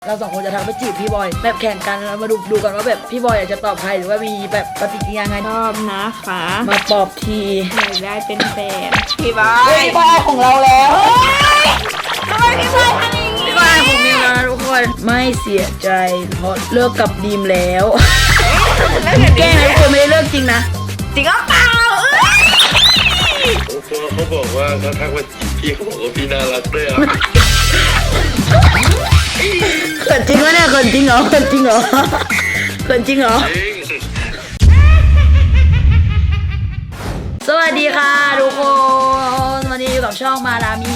เราสองคนจะทำไปจีบพี่บอยแบบแข่งกันแล้วมาดูกันว่าแบบพี่บอยอยากจะตอบใครหรือว่ามีแบบปฏิกิริยาไงชอบนะคะมาตอบทีอยากได้เป็นแฟนพี่บอเฮ้ยยพี่บอยของเราแล้วทำไมพี่บอยทำอย่างนี้พี่บอยของมิวแล้วนะทุกคนไม่เสียใจเพราะเลิกกับดีมแล้วแกล้งนะทุกคนไม่ได้เลิกจริงนะจริงก็เปล่าเขาบอกว่าเขาทักมาจีบพี่เขาบอกว่าพี่น่ารักด้วยอ่ะเขินจริงวะเนี่ยเขินจริงเหรอเขินจริงเหรอเขินจริงเหรอจริงสวัสดีค่ะทุกคนวันนี้อยู่กับช่องมารามี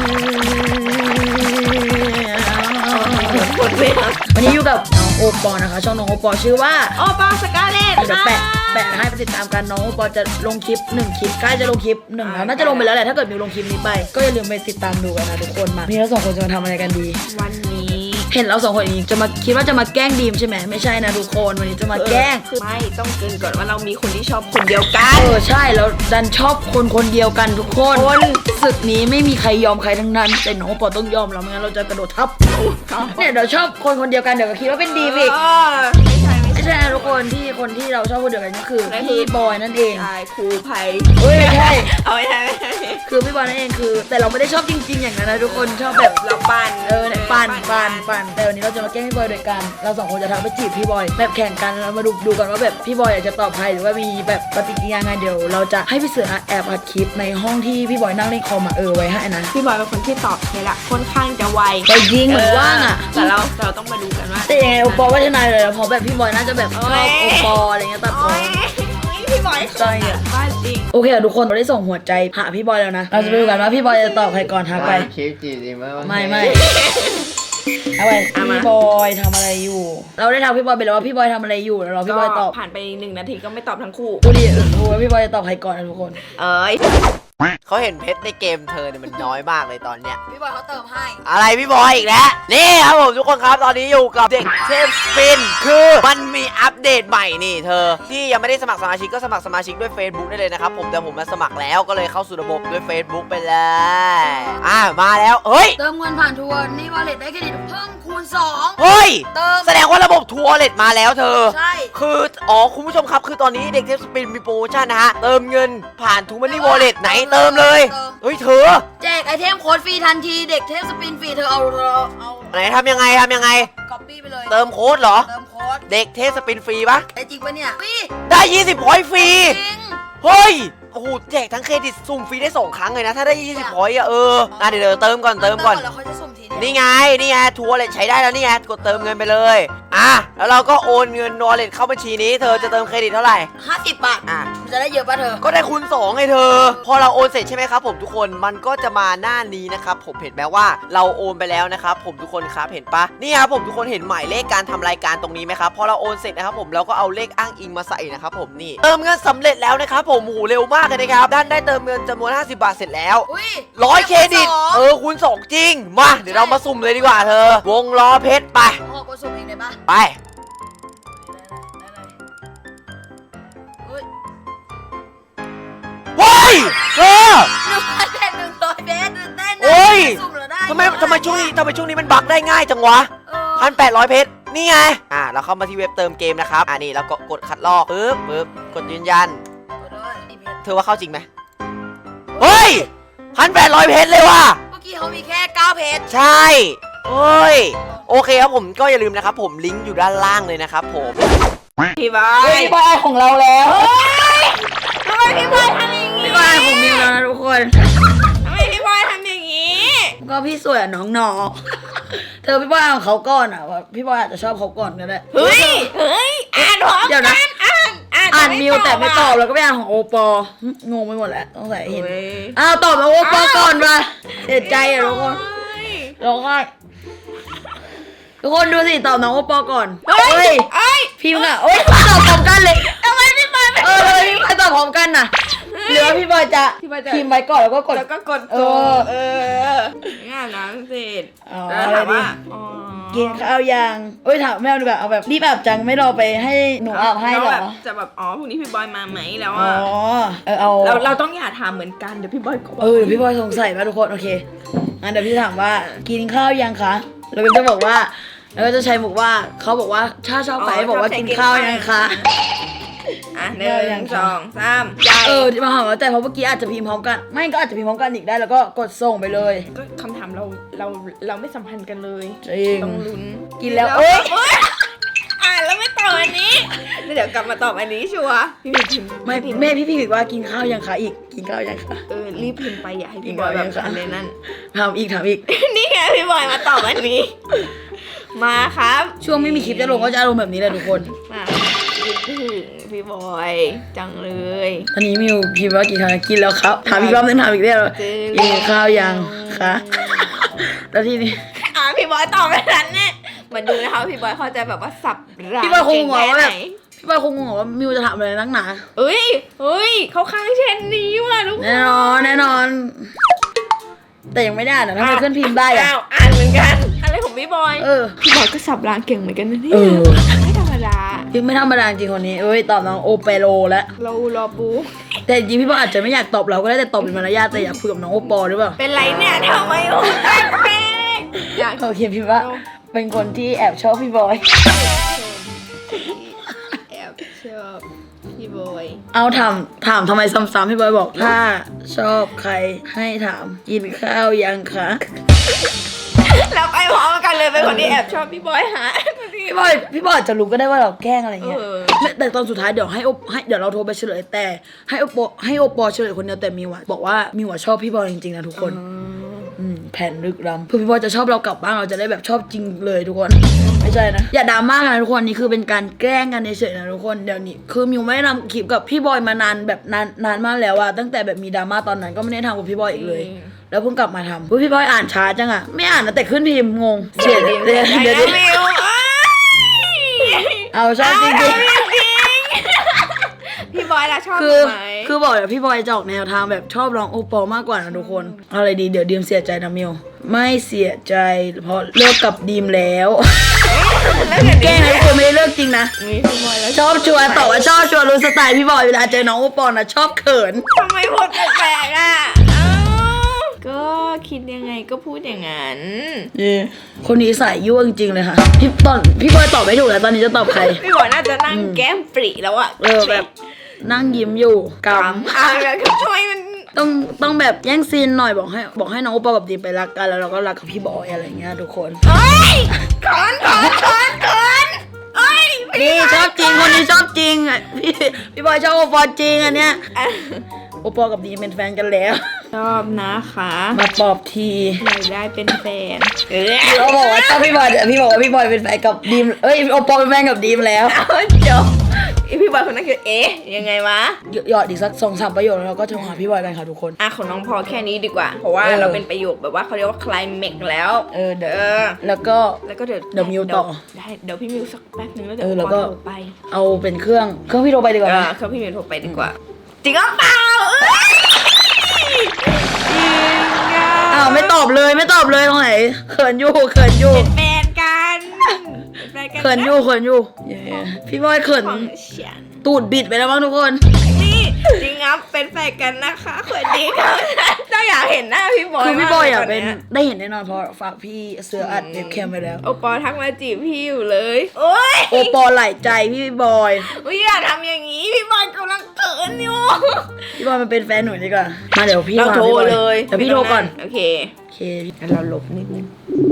หมดเวลาวันนี้อยู่กับน้องโอปอนะคะช่องน้องโอปอชื่อว่าโอปอสกาเลตเดี๋ยวแปะให้ไปติดตามกันน้องโอปอจะลงคลิป1คลิปใกล้จะลงคลิป1แล้วน่าจะลงไปแล้วแหละถ้าเกิดมิวลงคลิปนี้ไปก็อย่าลืมไปติดตามดูกันนะทุกคนมาพี่เราสองคนจะมาทำอะไรกันดีวันนี้เห็นเราสองคนนี้จะมาคิดว่าจะมาแกล้งดีมใช่ไหมไม่ใช่นะทุกคนวันนี้จะมาแกล้งไม่ต้องเกรินก่อนว่าเรามีคนที่ชอบคนเดียวกันใช่แล้วดันชอบคนเดียวกันทุกคนศึกนี้ไม่มีใครยอมใครทั้งนั้นแต่น้องโอปอต้องยอมเราไม่งั้นเราจะกระโดดทับเนี่ยเดี๋ยวชอบคนเดียวกันเดี๋ยวก็คิดว่าเป็นดีมอีก ไม่ใช่นะทุกคนที่เราชอบคนเดียวกันก็คือพี่บอยนั่นเองใช่ครูไผ่เฮ้ยไม่ใช่เอาไม่ใช่คือพี่บอยนั่นเองคือ แต่เราไม่ได้ชอบจริงๆอย่างนั้นนะทุกคนชอบแบบเราปั่นเนี่ยปั่นแต่วันนี้เราจะมาแกล้งพี่บอยโดยการเราสองคนจะทำไปจีบพี่บอยแบบแข่งกันแล้วมาดูกันว่าแบบพี่บอยอยากจะตอบใครหรือว่ามีแบบปฏิกิริยาไงเดี๋ยวเราจะให้พี่เสือแอบอัดคลิปในห้องที่พี่บอยนั่งเล่นคอมไว้ให้นะพี่บอยเป็นคนที่ตอบเทละค่อนข้างจะไวไปยิงเหมือนว่างอ่ะแต่เราต้องมาดูกันว่าแต่ยังไงโอปอว่าชนะเลยเพราะแบบพี่บอยน่าจะแบบชอบโอปออะไรเงี้ยตัดโอ๊ยพี่บอยใช่อะบ้าจริงโอเคอะทุกคนเราได้ส่งหัวใจหาพี่บอยแล้วนะเราจะไปดูกันว่าพี่บอยจะตอบใครก่อนทักไปคลิปจีบดีไหมวะไม่เอาไปพี่บอยทำอะไรอยู่ เราได้ถามพี่บอยไปแล้วว่าพี่บอยทำอะไรอยู่แล้วรอพี่บอยตอบผ่านไป1 นาทีก็ไม่ตอบทั้งคู่ดูดิดูว่าพี่บอยจะตอบใครก่อนนะทุกคนเอ้ยเขาเห็นเพชรในเกมเธอเนี่ยมันน้อยมากเลยตอนเนี้ยพี่บอยเขาเติมให้อะไรพี่บอยอีกแล้วนี่ครับผมทุกคนครับตอนนี้อยู่กับเด็กเทพสปินคือมันมีอัปเดตใหม่นี่เธอที่ยังไม่ได้สมัครสมาชิกก็สมัครสมาชิกด้วย Facebook ได้เลยนะครับผมแต่ผมมาสมัครแล้วก็เลยเข้าสู่ระบบด้วย Facebook ไปเลยมาแล้วเฮ้ยเติมเงินผ่านทัวร์นี่วอลเล็ตได้เครดิตเพิ่มคูณ2 เฮ้ยเติมแสดงว่าระบบทัวร์เลตมาแล้วเธอใช่คือคุณผู้ชมครับคือตอนนี้เด็กเทพสปินมีโปรโมชั่นนะฮะเติมเงินผ่านทูมันนี่วอลเล็ตไหนเติมเลยเฮ้ยเธอแจกไอเทมโค้ดฟรีทันทีเด็กเทพสปินฟรีเธอเอาไหนทำยังไงก๊อปปี้ไปเลยเติมโค้ดเหรอเติมโค้ดเด็กเทพสปินฟรีปะได้จริงปะเนี่ยฟรีได้ 20พอยต์ฟรีจริงเฮ้ยโอ้โหแจกทั้งเครดิตสุ่มฟรีได้2ครั้งเลยนะถ้าได้20พอยต์อะเดี๋ยวเติมก่อนแล้วเขาจะสุ่มทีเดียวนี่ไงทัวร์เลตใช้ได้แล้วนี่ไงกดเติมเงินไปเลยแล้วเราก็โอนเงินวอลเล็ตเข้าบัญชีนี้เธอจะเติมเครดิตเท่าไหร่ 50 บาทมันจะได้เยอะป่ะเธอก็ได้คูณ2ไงเธอ พอเราโอนเสร็จใช่ไหมครับผมทุกคนมันก็จะมาหน้านี้นะครับผมเห็นไหมว่าเราโอนไปแล้วนะครับผมทุกคนครับเห็นปะนี่ครับผมทุกคนเห็นหมายเลขการทำรายการตรงนี้ไหมครับพอเราโอนเสร็จนะครับผมเราก็เอาเลขอ้างอิงมาใส่นะครับผมนี่เติมเงินสำเร็จแล้วนะครับผมโอ้โหเร็วมากเลยนะครับด้านได้เติมเงินจำนวน50 บาทเสร็จแล้วอุ้ย 100เครดิตคูณ2จริงมาเดี๋ยวเรามาสุ่มเลยดีกว่าเธอวงล้อเพชรไปขอกดสุ่มเองได้ปะไป เฮ้ยเธอ 100 เบสเต้นโอ้ยสุ่มแล้วได้ทำไมช่วงนี้มันบั๊กได้ง่ายจังวะ 1,800 เพชรนี่ไงเราเข้ามาที่เว็บเติมเกมนะครับนี่เราก็กดคัดลอกปึ๊บกดยืนยันเธอว่าเข้าจริงไหมเฮ้ย 1,800 เพชรเลยว่ะเมื่อกี้เขามีแค่9เพชรใช่เฮ้ยโอเคครับผมก็อย่าลืมนะครับผมลิงก์อยู่ด้านล่างเลยนะครับผมพี่บอเฮ้ยยพี่บอยของเราแล้วทำไมพี่บอยทำอย่างนี้พี่บอยของมิวแล้วนะทุกคนทำไมพี่บอยทำอย่างนี้ก็พี่สวยอะน้องนอเธอพี่บอยของเขาก่อนอะว่าพี่บอยอาจจะชอบเขาก่อนก็ได้เฮ้ยอ่านพร้อมเดี๋ยวนะอ่านมิวแต่ไม่ตอบแล้วก็ไปอ่านของโอปองงไปหมดแล้วต้องใส่เห็นเฮ้ยตอบมาโอปอก่อนมาเสียใจอะทุกคนร้องไห้ทุกคนดูสิตอบน้องโอปอก่อนเฮ้ยพิมพ์อะโอ๊ยตอบพร้อมกันเลยทำไมพี่บอยไม่พี่บอยตอบพร้อมกันน่ะหรือว่าพี่บอยจะพิมพ์ไว้ก่อนแล้วก็กดแล้วก็กดเอโจองานน้ำเสร็จอ๋อแล้วถามว่ากินข้าวยังถามแม่ดีกว่าเอาแบบรีบอาบจังไม่รอไปให้หนูอาบให้หรอจะแบบพรุ่งนี้พี่บอยมาไหมแล้วอ๋อ เอาเราต้องอย่าถามเหมือนกันเดี๋ยวพี่บอยก็เดี๋ยวพี่บอยสงสัยป่ะทุกคนโอเคงั้นเดี๋ยวพี่ถามว่ากินข้าวยังคะแล้วก็จะบอกว่าแล้วก็จะใช้มุกว่าเขาบอกว่าถ้าชอบใครบอกว่ากินข้าวยังคะอ่ะ1 2 3ใจมาหาว่าแต่เพราะเมื่อกี้อาจจะพิมพ์พร้อมกันไม่ก็อาจจะพิมพ์พร้อมกันอีกได้แล้วก็กดส่งไปเลยก็คำถามเราไม่สัมพันธ์กันเลยจริงต้องลุ้นกินแล้วเอ้ยอ่านแล้วไม่ตอบอันนี้เดี๋ยวกลับมาตอบอันนี้ชัวร์พี่พิมพ์ไม่แม่พี่พิมพ์ว่ากินข้าวยังคะอีกกินข้าวยังคะรีบพิมพ์ไปอย่าให้พี่บอยแบบอันนั้นถามอีกนี่ไงพี่บอยมาตอบอันนี้ มาครับช่วงไม่มีคลิปจะลงก็จะอารมณ์แบบนี้แหละทุกคนมาคิดถึงพี่บอยจังเลยตอนนี้มิวพิมพ์ว่ากินข้าวกินแล้วครับถามอีกรอบนึงถามอีกได้หรอกินข้าวยังคะแล้วทีนี้พี่บอยตอบแบบนั้นเนี่ยมาดูนะคะพี่บอยเขาจะแบบว่าสับรางพี่บอยคงงงว่าแบบเก่พี่บอยคงงงว่ามิวจะถามอะไรนักหนาเฮ้ยเขาค้างเช่นนี้ว่ะทุกคนแน่นอน แต่ยังไม่ได้นะทำไมขึ้นพิมพ์ได้อะอ้าวอ่านเหมือนกันอะไรของพี่บอย พี่บอยก็สับรางเก่งเหมือนกันนะเนี่ยไม่ธรรมดายังไม่ธรรมดาจริงคนนี้ตอบน้องโอเปโรแล้วเรารอปูแต่จริงพี่บอยอาจจะไม่อยากตอบเราก็ได้แต่ตอบเป็นมารยาทแต่อยากคุยกับน้องโอปอหรือเปล่าเป็นไรเนี่ยทำไมโอ้แป๊กอยากเขาเขียนพิมพ์ว่าเป็นคนที่แอบชอบพี่บอยแอบชอบพี่บอยเอาถามทำไมซ้ำๆพี่บอยบอกถ้าชอบใครให้ถามกินข้าวยังคะแล้วไปพร้อมกันเลยเป็นคนที่แอบชอบพี่บอยหาพี่บอยอาจจะรู้ก็ได้ว่าเราแกล้งอะไรเงี้ยแต่ตอนสุดท้ายเดี๋ยวเราโทรไปเฉลยแต่ให้โอปอเฉลยคนเดียวแต่มิวอะบอกว่ามิวอะชอบพี่บอยจริงๆนะทุกคนแผนลึกล้ำเพื่อพี่บอยจะชอบเรากลับบ้านเราจะได้แบบชอบจริงเลยทุกคนไม่ใช่นะอย่าดราม่ากันนะทุกคนนี่คือเป็นการแกล้งกันเฉยๆนะทุกคนเดี๋ยวนี้คือมิวไม่ได้ทำคลิปกับพี่บอยมานานแบบนานมากแล้วอะตั้งแต่แบบมีดราม่าตอนนั้นก็ไม่ได้ทำกับพี่บอยอีกเลยแล้วเพิ่งกลับมาทำพี่บอยอ่านช้าจังอะไม่อ่านนะแต่ขึ้นพิมพ์งงเสียเดี๋ยวเอาชอบจริงๆพี่บอยล่ะชอบคือบอกเดี๋ยวพี่บอยจะออกแนวทางแบบชอบร้องโอปอลมากกว่านะทุกคนเอาอะไรดีเดี๋ยวดีมเสียใจนะมิวไม่เสียใจเพราะเลิกกับดีมแล้วแกล้งนะทุกคนไม่ได้เลิกจริงนะพี่บอยแล้วชอบชวนตอบว่าชอบชวนรู้สไตล์พี่บอยเวลาเจอน้องโอปอลนะชอบเขินทำไมพูดแปลกๆอ่ะก็คิดยังไงก็พูดอย่างนั้นคนนี้สายยั่วจริงๆเลยค่ะพี่บอยตอบไม่ถูกแล้วตอนนี้จะตอบใครพี่บอยน่าจะนั่งแก้มปรีแล้วอะแบบนั่งยิ้มอยู่กแล้วทำไมมันำต้องแบบแย่งซีนหน่อยบอกให้น้องโอปอลกับดีมไปรักกันแล้วเราก็รักกับพี่บอยอะไรเงี้ยทุกคนเอ้ยขอนเอ้ยนี่ชอบจริงคนนี้ชอบจริงอ่ะพี่บอยชอบโอปอลจริงอันเนี้ยโอปอลกับดีมเป็นแฟนกันแล้วชอบนะคะมาปอบทีอยากได้เป็นแฟนเราบอกว่าชอบพี่บอยแต่พี่บอกว่าพี่บอยเป็นแฟนกับดีมโอปอลเป็นแฟนกับดีมแล้วจบพี่บอยคนนั้นคือยังไงวะหยอดอีกสัก2-3ประโยคแล้วเราก็โทรหาพี่บอยกันค่ะทุกคนของน้องพอแค่นี้ดีกว่า เพราะว่าเราเป็นประโยคแบบว่าเขาเรียกว่าคลายเมกแล้วเดี๋ยวแล้วก็เดี๋ยวมิวต่อได้เดี๋ยวพี่มิวสักแป๊บนึงแล้วเดี๋แล้วก็โทรไปเอาเป็นเครื่องพี่โทรไปดีกว่านะเขาพี่มิวโทรไปดีกว่าจริงหรือเปล่าอ้าวไม่ตอบเลยตรงไหนเขินอยู่เป็นแฟนกันเขินอยู่พี่บอยเขินของฉันตูดบิดไปแล้วมั้งทุกคนนี่จริงครับเป็นแฟนกันนะคะเขินดีครับเจ้าอยากเห็นหน้าพี่บอยคือพี่บอยอ่ะมากลเป็นตได้เห็นแน่นอนเพราะฝากพี่เสืออัดเว็บแคมไปแล้วโอปอทักมาจีบพี่อยู่เลยโอ๊ยโอปอไหลใจพี่บอยอย่าทำอย่างนี้พี่บอยกำลังเขินอยู่พี่บอยมันเป็นแฟนหนูดีกว่ามาเดี๋ยวพี่เราโทรพี่บอเลยเดี๋ยวพี่โทรก่อนโอเคพี่เราหลบนิดนึง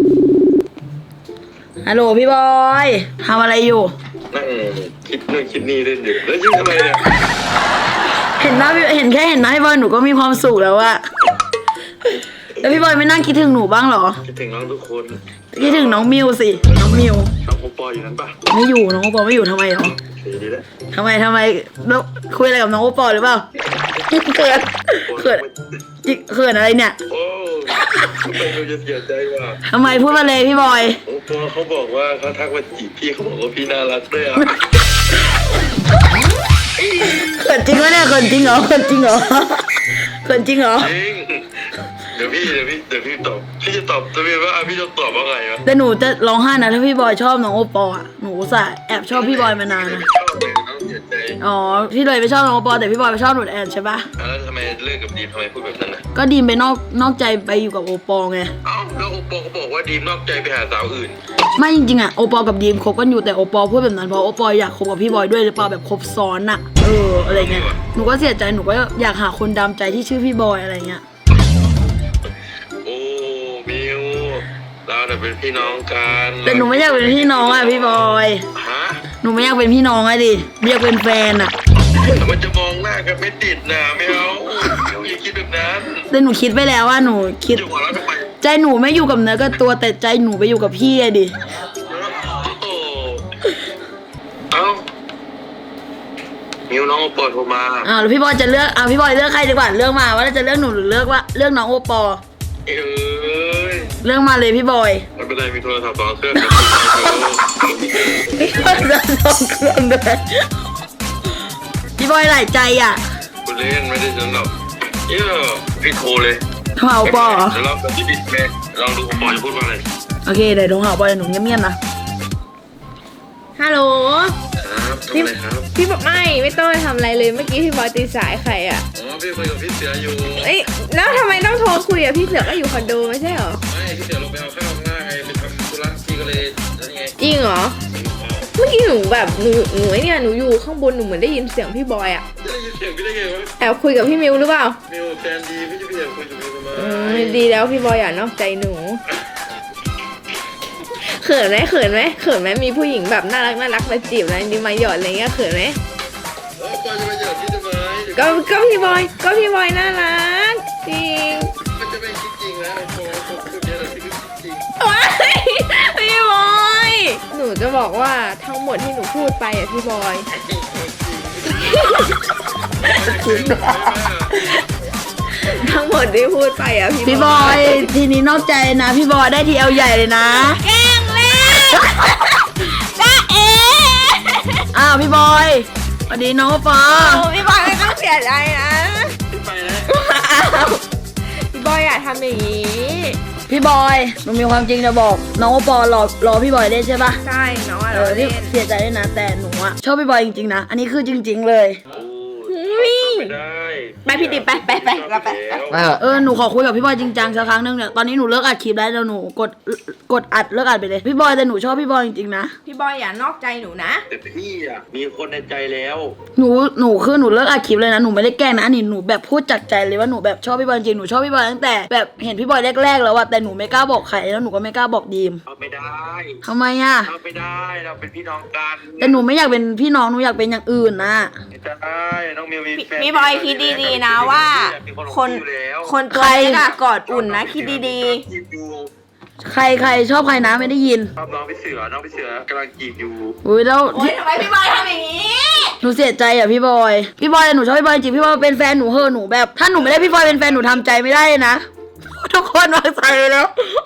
ฮัลโหลพี่บอยทำอะไรอยู่นั่งคิดนู่นคิดนี่เล่นอยู่แล้วยิ้มทำไมเนี่ยเห็นหน้าพี่บอยหนูก็มีความสุขแล้วอะแล้วพี่บอยไม่นั่งคิดถึงหนูบ้างเหรอคิดถึงน้องทุกคนคิดถึงน้องมิวสิน้องมิวน้องโอปออยู่นั้นปะไม่อยู่น้องโอปอไม่อยู่ทำไมเหรอดีแล้วทำไมแล้วคุยอะไรกับน้องโอปอหรือเปล่าเขินเขินอะไรเนี่ยโอ้ไม่รู้จะเสียใจว่ะทำไมพูดมาเลยพี่บอยโอปอเขาบอกว่าเขาทักมาจีบพี่เขาบอกว่าพี่น่ารักด้วยอ่ะเขินจริงวะเนี่ยเขินจริงเหรอเขินจริงเหรอจริงเดี๋ยวพี่ตอบพี่จะตอบตัวเองว่าพี่จะตอบว่าไงวะแต่หนูจะร้องไห้นะถ้าพี่บอยชอบน้องโอปออ่ะหนูอุตส่าห์แอบชอบพี่บอยมานานนะชอบเลยน้องเสียใจอ๋อพี่เลยไม่ชอบน้องโอปอแต่พี่บอยไม่ชอบหนูแอนใช่ปะแล้วทำไมเลิกกับดีมทำไมพูดแบบนั้นนะก็ดีมไปนอกใจไปอยู่กับโอปอไงเอ้าแล้วโอปอเขาบอกว่าดีมนอกใจไปหาสาวอื่นไม่จริงๆอะโอปอกับดีมคบกันอยู่แต่โอปอพูดแบบนั้นเพราะโอปออยากคบกับพี่บอยด้วยหรือเปล่าแบบคบซ้อนอะอะไรเงี้ยหนูก็เสียใจหนูก็อยากหาคนดามใจที่ชื่อพี่บอยอะไรเงี้ยโอ้มิวเราเนี่ยเป็นพี่น้องกันแต่หนูไม่อยากเป็นพี่น้องอะพี่บอยฮะหนูไม่อยากเป็นพี่น้องอะดิอยากเป็นแฟนอะแต่มันจะมองหน้ากันไม่ติดนะไม่เอาอย่าคิดแบบนั้นแต่หนูคิดไปแล้วว่าหนูคิดอยู่หัวเราะทำไมใจหนูไม่อยู่กับเนื้อกับตัวแต่ใจหนูไปอยู่กับพี่อะดิโอ้เอ้ามิวน้องโอปอโทรมาแล้วพี่บอยจะเลือกพี่บอยเลือกใครดีกว่าเลือกมาว่าจะเลือกหนูหรือเลือกน้องโอปอเอ้ยเลือกมาเลยพี่บอยไม่เป็นไรมีโทรศัพท์สองเครื่องพี่บอยจะสองเครื่องด้วยพี่บอยหลายใจอ่ะคุณเล่นไม่ได้สนหรอกเยอะพี่โทรเลยโทรหาโอปอเหรอเดี๋ยวเราจะบิดแม่ลองดูโอปอจะพูดว่าอะไรโอเคเดี๋ยวโทรหาโอปอหนูเงียบๆนะฮัลโหลครับทำอะไรครับพี่บอกไม่ต้องไปทำอะไรเลยเมื่อกี้พี่บอยตีสายใครอ่ะอ๋อพี่คุยกับพี่เสืออยู่เอ้ยแล้วทำไมต้องโทรคุยอ่ะพี่เสือก็อยู่คอนโดไม่ใช่เหรอไม่พี่เสือลงไปเอาข้าวข้างหน้าไงไปทำธุระพี่ก็เลยนั่นไงจริงเหรอ เมื่อกี้หนูแบบหนูไอ้เนี่ยหนูอยู่ข้างบนหนูเหมือนได้ยินเสียงพี่บอยอ่ะจะได้ยินเสียงพี่ได้ไงวะแอบคุยกับพี่มิวหรือเปล่ามิวแฟนดีพี่จะไปอยากคุยกับมิวทำไมดีแล้วพี่บอยอย่านอกใจหนูเขินไหมมีผู้หญิงแบบน่ารักมาจีบอะไรดีมาหยอดอะไรเงี้ยเขินไหมเออปอยจะมาหยอดพี่ทำไมก็พี่บอยน่ารักจริงมันจะไม่คิดจริงนะโอ้โหพูดเยอะเลยพี่คิดจริงว้ายพี่บอยหนูจะบอกว่าทั้งหมดที่หนูพูดไปอ่ะพี่บอย ทั้งหมดที่พูดไปอ่ะพี่บอยทีนี้นอกใจนะพี่บอยได้ทีเอลใหญ่เลยนะแกล้งเล่นจ้าเอ๋พี่บอยสวัสดีน้องโอปอโอ้พี่บอยไม่ต้องเสียใจนะไปนะพี่บอยอย่าทำอย่างนี้พี่บอยหนูมีความจริงจะบอกน้องโอปอรอพี่บอยได้ใช่ปะใช่น้องอะเราที่เล่นเสียใจด้วยนะแต่หนูอะชอบพี่บอยจริงๆนะอันนี้คือจริง ๆ เลยไม่ได้ไปพี่ติ๊บไปเราไปหนูขอคุยกับพี่บอยจริงจังสักครั้งนึงเนี่ยตอนนี้หนูเลิกอัดคลิปแล้วหนูกดอัดเลิกอัดไปเลยพี่บอยแต่หนูชอบพี่บอยจริงๆนะพี่บอยอย่านอกใจหนูนะแต่พี่อ่ะมีคนในใจแล้วหนูคือหนูเลิกอัดคลิปเลยนะหนูไม่ได้แกล้งนะอันนี้หนูแบบพูดจากใจเลยว่าหนูแบบชอบพี่บอยจริงหนูชอบพี่บอยตั้งแต่แบบเห็นพี่บอยแรกๆแล้วอะแต่หนูไม่กล้าบอกใครแล้วหนูก็ไม่กล้าบอกดีมเอาไม่ได้ทำไมอะเอาไม่ได้เราเป็นพี่น้องกันแต่หนูไม่อยากเป็นพี่น้องหนูอยากเป็นอย่างอื่นนะไม่ได้น้องมิวมีแฟนพี่บอยคิดดีๆนะว่าคนตัวเล็กอะกอดอุ่นนะคิดดีจีบอยู่ใครชอบใครนะไม่ได้ยินชอบน้องพี่เสือกำลังจีบอยู่อุ้ยแล้วๆโอ๊ยทำไมพี่บอยทำอย่างนี้หนูเสียใจอ่ะพี่บอยแต่หนูชอบพี่บอยจริงพี่บอยเป็นแฟนหนูเหอะหนูแบบถ้าหนูไม่ได้พี่บอยเป็นแฟนหนูทำใจไม่ได้นะทุกคนวางใจแล้ว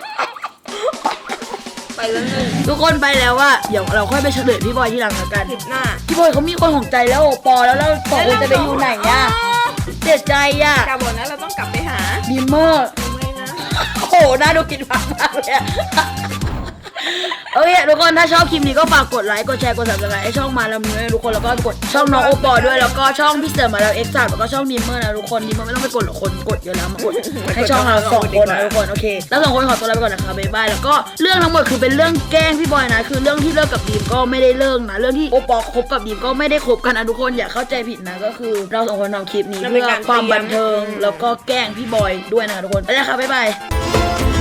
ไปแล้วหนึ่งทุกคนไปแล้วว่าเดี๋ยวเราค่อยไปเฉลยพี่บอยที่หลังละกันคลิปหน้าพี่บอยเขามีคนของใจแล้วโอปอแล้วเราสองคนจะไปอยู่ไหนอ่ะเสียใจอ่ะกลับบอกนะเราต้องกลับไปหาบีมเมอร์ไม่นะโอ้โหน่าดูกินมากเลยอะโอเคทุกคนถ้าชอบคลิปนี้ก็ฝากกดไลค์กดแชร์กด subscribe ให้ช่องมาแล้วมือทุกคนแล้วก็กดช่องน้องโอปอด้วยแล้วก็ช่องพี่เสือมาแล้วเอ็กซ์แล้วก็ช่องดีมเมอร์นะทุกคนดีมเมอร์ไม่ต้องไปกดหรอกคนกดเยอะแล้วมากดให้ช่องเราสองคนนะทุกคนโอเคแล้วสองคนขอตัวลาไปก่อนนะคะบ๊ายบายแล้วก็เรื่องทั้งหมดคือเป็นเรื่องแกล้งพี่บอยนะคือเรื่องที่เลิกกับดีมก็ไม่ได้เลิกนะเรื่องที่โอปอคบกับดีมก็ไม่ได้คบกันนะทุกคนอย่าเข้าใจผิดนะก็คือเราสองคนทำคลิปนี้เพื่อความบันเทิงแล้วก็แกล้งพี่บอยด้วยนะคะทุกคนไปแล้วค่ะบ๊ายบาย